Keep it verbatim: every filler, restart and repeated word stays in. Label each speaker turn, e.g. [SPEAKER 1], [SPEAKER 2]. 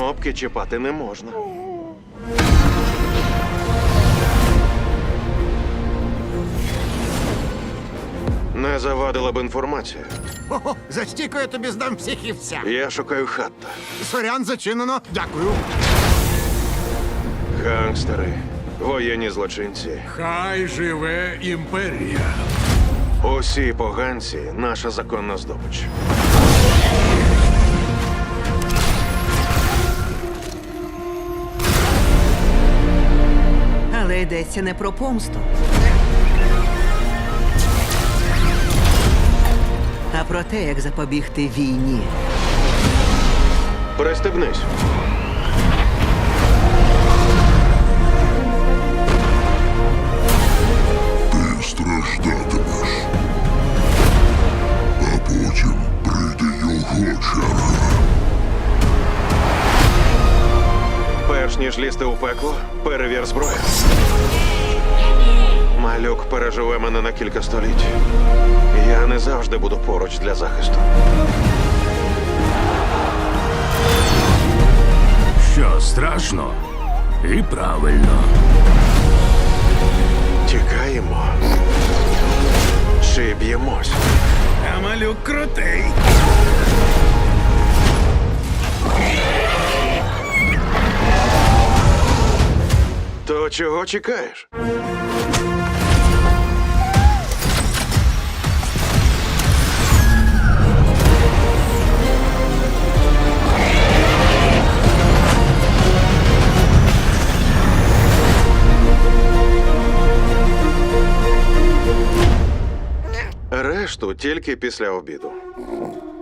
[SPEAKER 1] Кнопки чіпати не можна. Не завадила б інформація.
[SPEAKER 2] Хо-хо, за стійку я тобі здам психівця.
[SPEAKER 1] Я шукаю Хатта.
[SPEAKER 2] Сорян, зачинено. Дякую.
[SPEAKER 1] Гангстери, воєнні злочинці.
[SPEAKER 3] Хай живе імперія.
[SPEAKER 1] Усі поганці – наша законна здобич.
[SPEAKER 4] Але йдеться не про помсту, а про те, як запобігти війні.
[SPEAKER 1] Пристебнись.
[SPEAKER 5] Ти страждатимеш. А потім прийде його черга.
[SPEAKER 1] Перш ніж лізти у пекло, перевір зброю. Малюк переживе мене на кілька століть. Я не завжди буду поруч для захисту.
[SPEAKER 3] Що страшно і правильно.
[SPEAKER 1] Тікаємо. Чи б'ємось?
[SPEAKER 3] А малюк крутий.
[SPEAKER 1] То чого чекаєш? Решту тільки після обіду.